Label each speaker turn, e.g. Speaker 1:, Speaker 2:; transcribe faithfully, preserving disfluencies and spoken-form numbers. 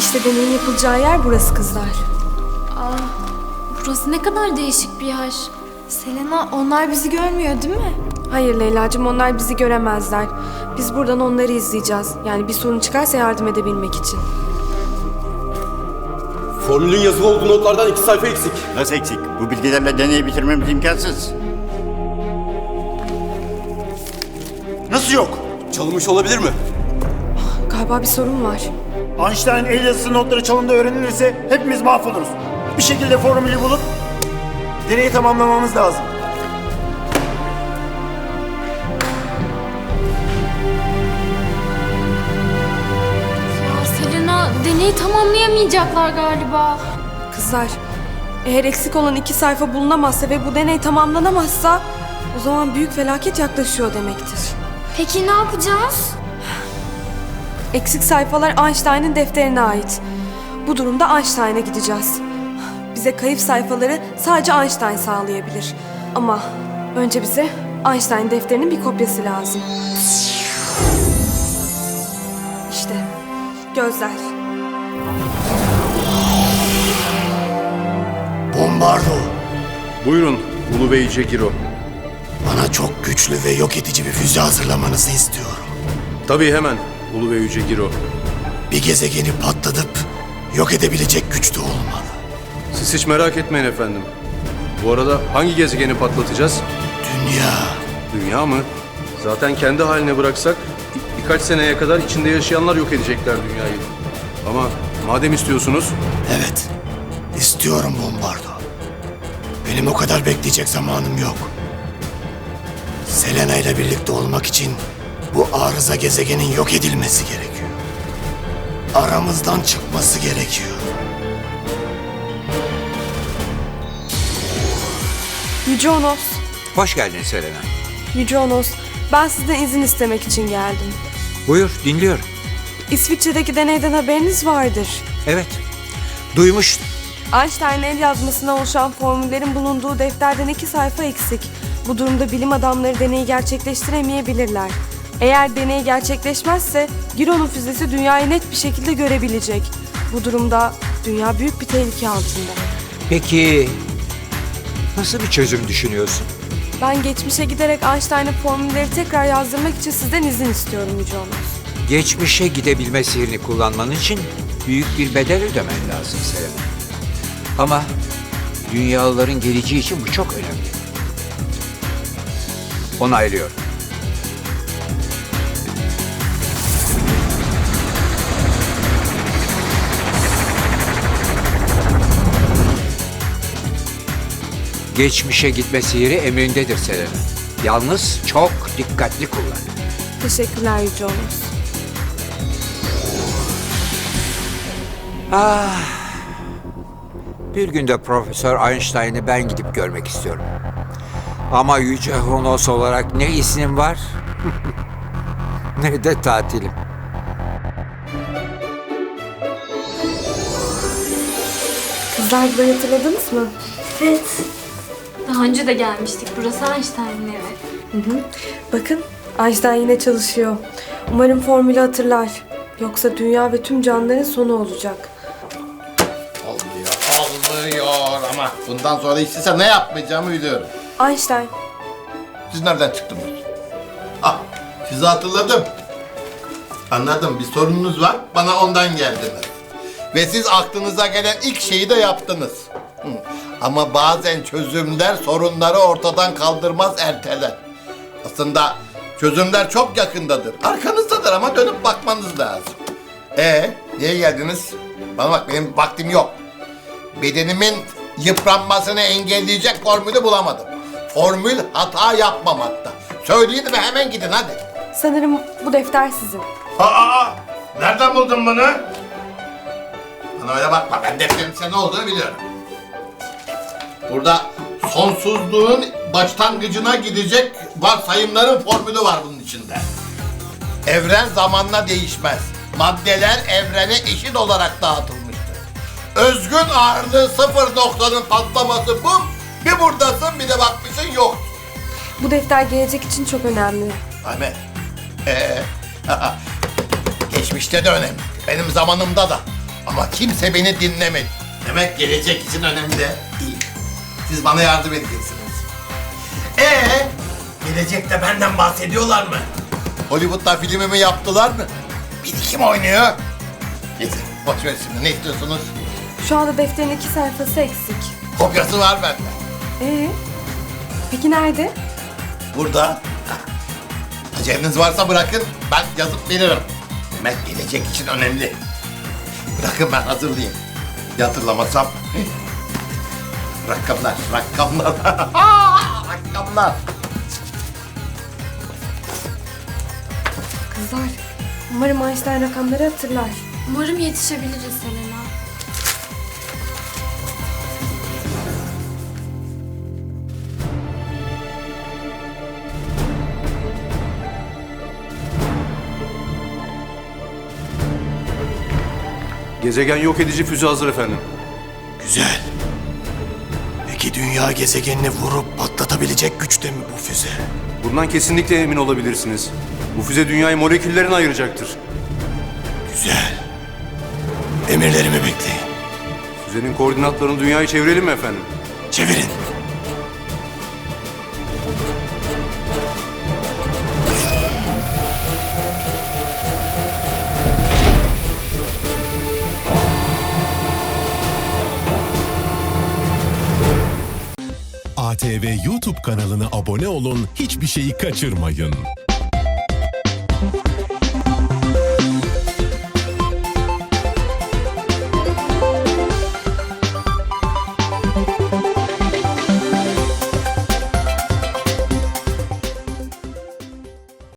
Speaker 1: İşte deneyin yapılacağı yer burası kızlar.
Speaker 2: Aa, burası ne kadar değişik bir yer.
Speaker 3: Selena, onlar bizi görmüyor değil mi?
Speaker 1: Hayır Leyla'cığım, onlar bizi göremezler. Biz buradan onları izleyeceğiz. Yani bir sorun çıkarsa yardım edebilmek için.
Speaker 4: Formülün yazılı olduğu notlardan iki sayfa eksik.
Speaker 5: Nasıl eksik? Bu bilgilerle deneyi bitirmemiz imkansız. Nasıl yok?
Speaker 4: Çalınmış olabilir mi?
Speaker 1: Galiba bir sorun var.
Speaker 6: Einstein el yazısı notları çalındı öğrenilirse hepimiz mahvoluruz. Bir şekilde formülü bulup deneyi tamamlamamız lazım.
Speaker 2: Ya Selena, deneyi tamamlayamayacaklar galiba.
Speaker 1: Kızlar, eğer eksik olan iki sayfa bulunamazsa ve bu deney tamamlanamazsa o zaman büyük felaket yaklaşıyor demektir.
Speaker 2: Peki ne yapacağız?
Speaker 1: Eksik sayfalar Einstein'ın defterine ait. Bu durumda Einstein'a gideceğiz. Bize kayıp sayfaları sadece Einstein sağlayabilir. Ama önce bize Einstein defterinin bir kopyası lazım. İşte gözler.
Speaker 7: Bombardo,
Speaker 8: Buyurun Ulu Bey Cegiro.
Speaker 7: bana çok güçlü ve yok edici bir füze hazırlamanızı istiyorum.
Speaker 8: Tabii hemen Ulu Bey Cegiro.
Speaker 7: Bir gezegeni patlatıp yok edebilecek güçte olmalı.
Speaker 8: Siz hiç merak etmeyin efendim. Bu arada hangi gezegeni patlatacağız?
Speaker 7: Dünya,
Speaker 8: Dünya mı? Zaten kendi haline bıraksak bir- birkaç seneye kadar içinde yaşayanlar yok edecekler dünyayı. Ama madem istiyorsunuz
Speaker 7: evet. İstiyorum Bombardo. Benim o kadar bekleyecek zamanım yok. Selena ile birlikte olmak için bu arıza gezegenin yok edilmesi gerekiyor. Aramızdan çıkması gerekiyor.
Speaker 1: Yüce Onos,
Speaker 9: Hoş geldin Selena.
Speaker 1: Yüce Onos, ben sizden izin istemek için geldim.
Speaker 9: Buyur, dinliyorum.
Speaker 1: İsviçre'deki deneyden haberiniz vardır.
Speaker 9: Evet, duymuştum.
Speaker 1: Einstein'ın el yazmasına oluşan formüllerin bulunduğu defterden iki sayfa eksik. Bu durumda bilim adamları deneyi gerçekleştiremeyebilirler. Eğer deney gerçekleşmezse Giron'un füzesi dünyayı net bir şekilde görebilecek. Bu durumda dünya büyük bir tehlike altında.
Speaker 9: Peki, nasıl bir çözüm düşünüyorsun?
Speaker 1: Ben geçmişe giderek Einstein'ın formülleri tekrar yazdırmak için sizden izin istiyorum Yüce Onos.
Speaker 9: Geçmişe gidebilme sihrini kullanman için büyük bir bedel ödemen lazım Selena. Ama dünyalıların geleceği için bu çok önemli. Onaylıyorum. Geçmişe gitme sihiri emrindedir Selena. Yalnız çok dikkatli kullan.
Speaker 1: Teşekkürler Yüce Onos.
Speaker 9: Ah, bir günde Profesör Einstein'ı ben gidip görmek istiyorum. Ama Yüce Honos olarak ne ismim var ne de tatilim.
Speaker 1: Kızlar, burayı hatırladınız mı?
Speaker 2: Evet. Daha önce de gelmiştik. Burası Einstein'ın evi.
Speaker 1: Hı hı. Bakın, Einstein yine çalışıyor. Umarım formülü hatırlar. Yoksa dünya ve tüm canlıların sonu olacak.
Speaker 10: Olmuyor, olmuyor ama bundan sonra istesem ne yapmayacağımı biliyorum.
Speaker 1: Einstein,
Speaker 10: Siz nereden çıktınız? Ah, sizi hatırladım. Anladım, bir sorununuz var, bana ondan geldiniz. Ve siz aklınıza gelen ilk şeyi de yaptınız. Hı. Ama bazen çözümler sorunları ortadan kaldırmaz, erteler. Aslında çözümler çok yakındadır, arkanızdadır ama dönüp bakmanız lazım. Ee, niye geldiniz? Bana bak, benim vaktim yok. Bedenimin yıpranmasını engelleyecek formülü bulamadım. Formül hata yapmamakta. Söyleyin ve hemen gidin hadi.
Speaker 1: sanırım bu defter sizin.
Speaker 10: Aa, nereden buldun bunu? Bana öyle bakma, ben defterin senin ne olduğunu biliyorum. Burada sonsuzluğun başlangıcına gidecek varsayımların formülü var bunun içinde. Evren zamanla değişmez. Maddeler evrene eşit olarak dağıtılmıştır. Özgün ağırlığı sıfır noktanın patlaması bu. Bir buradasın, bir de bakmışsın yok.
Speaker 1: Bu defter gelecek için çok önemli.
Speaker 10: Ahmet. Ee, geçmişte de önemli. Benim zamanımda da. Ama kimse beni dinlemedi. Demek gelecek için önemli. İyi. Siz bana yardım edeceksiniz. Ee, gelecekte benden bahsediyorlar mı? Hollywood'da filmimi yaptılar mı? Biri kim oynuyor? Neyse, boş ver şimdi. Ne istiyorsunuz?
Speaker 1: Şu anda defterin iki sayfası eksik.
Speaker 10: Kopyası var bende.
Speaker 1: Ee? Peki nerede?
Speaker 10: Burada. Aceleniz varsa bırakın, ben yazıp veririm. Demek gelecek için önemli. Bırakın ben hazırlayayım. Ya hatırlamasam? Rakamlar, rakamlar. Rakamlar.
Speaker 1: Kızlar, umarım Einstein rakamları hatırlar.
Speaker 2: Umarım yetişebiliriz Selena.
Speaker 8: Gezegen yok edici füze hazır efendim.
Speaker 7: Güzel. Peki dünya gezegenini vurup patlatabilecek güçte mi bu füze?
Speaker 8: Bundan kesinlikle emin olabilirsiniz. Bu füze dünyayı moleküllerine ayıracaktır.
Speaker 7: Güzel. Emirlerimi bekleyin.
Speaker 8: Füzenin koordinatlarını dünyayı çevirelim mi efendim?
Speaker 7: Çevirin.
Speaker 11: A T V YouTube kanalına abone olun, hiçbir şeyi kaçırmayın.